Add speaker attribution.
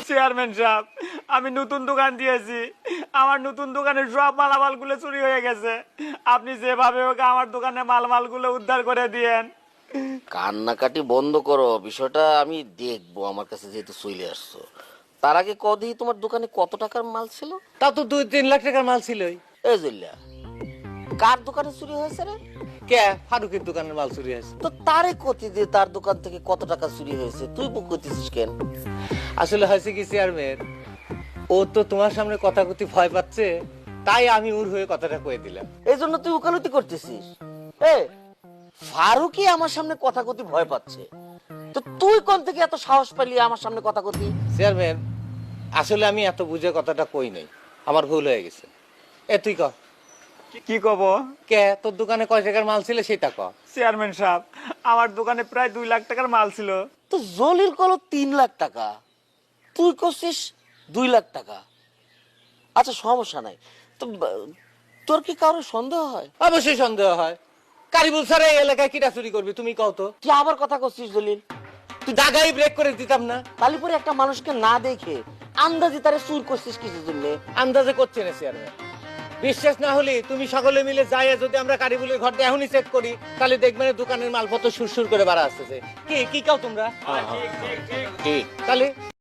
Speaker 1: Chairman সাহেব, আমি নতুন দোকান দিয়েছি, আমার নতুন দোকানের সব মালামালগুলো চুরি হয়ে গেছে। আপনি যেভাবে হোক আমার দোকানে মালমালগুলো উদ্ধার করে দিয়েন।
Speaker 2: কান্নাকাটি বন্ধ করো, বিষয়টা আমি দেখবো। আমার কাছে যেহেতু চলে আসছো, তার আগে কদি তোমার দোকানে কত টাকার মাল ছিল?
Speaker 3: তা তো 2-3 লাখ টাকার মাল ছিলই।
Speaker 2: এই জল্লা, কার দোকানে চুরি হয়েছে রে?
Speaker 3: কে? ফারুকের দোকানের মাল চুরি হয়েছে।
Speaker 2: তো তারে কতি দিয়ে তার দোকান থেকে কত টাকা চুরি হয়েছে তুই বুক করতেছিস কেন?
Speaker 3: আসলে হয়েছে কি চেয়ারম্যান, ও তো তোমার সামনে কথা কথি ভয় পাচ্ছে, তাই আমি ওর হয়ে কথাটা কয়ে দিলাম।
Speaker 2: এই জন্য তুই উকালতি করতেছিস? এ ফারুকই আমার সামনে কথা কথি ভয় পাচ্ছে, তো তুই কোন থেকে এত সাহস পেলি আমার সামনে কথা কথি?
Speaker 3: চেয়ারম্যান, আসলে আমি এত বুঝে কথাটা কই নাই, আমার ভুল হয়ে গেছে। তুই ক,
Speaker 1: কি কব?
Speaker 3: কে তোর দোকানে কয় টাকার মাল ছিল সেটা ক।
Speaker 1: চেয়ারম্যান সাহেব, আমার দোকানে প্রায় 2 লাখ টাকার মাল ছিল।
Speaker 2: তো জলির কল 3 লাখ টাকা, তুই করছিস 2 লাখ টাকা। আচ্ছা সমস্যা নাই, তো তোর কি কারো সন্দেহ হয়?
Speaker 3: অবশ্যই সন্দেহ হয়। কারিবুল স্যার এই এলাকায় কিটা চুরি করবি তুমি কও তো?
Speaker 2: তুই আবার কথা করছিস জলিল?
Speaker 3: তুই দাগাই ব্রেক করে দিতাম না?
Speaker 2: তালিপুরে একটা মানুষকে না দেখে আন্দাজে তারে চুর করছিস কিছু জন্য?
Speaker 3: আন্দাজে করছে না চেয়ারম্যান। বিশ্বাস না হলে তুমি সকলে মিলে যাই, যদি আমরা কারিবুলের ঘরটা এখনই চেক করি, তাহলে দেখবেন দোকানের মালপত্র সুরসুর করে বাড়া আসতেছে। কি কি কাও তোমরা?
Speaker 2: ঠিক
Speaker 3: তাহলে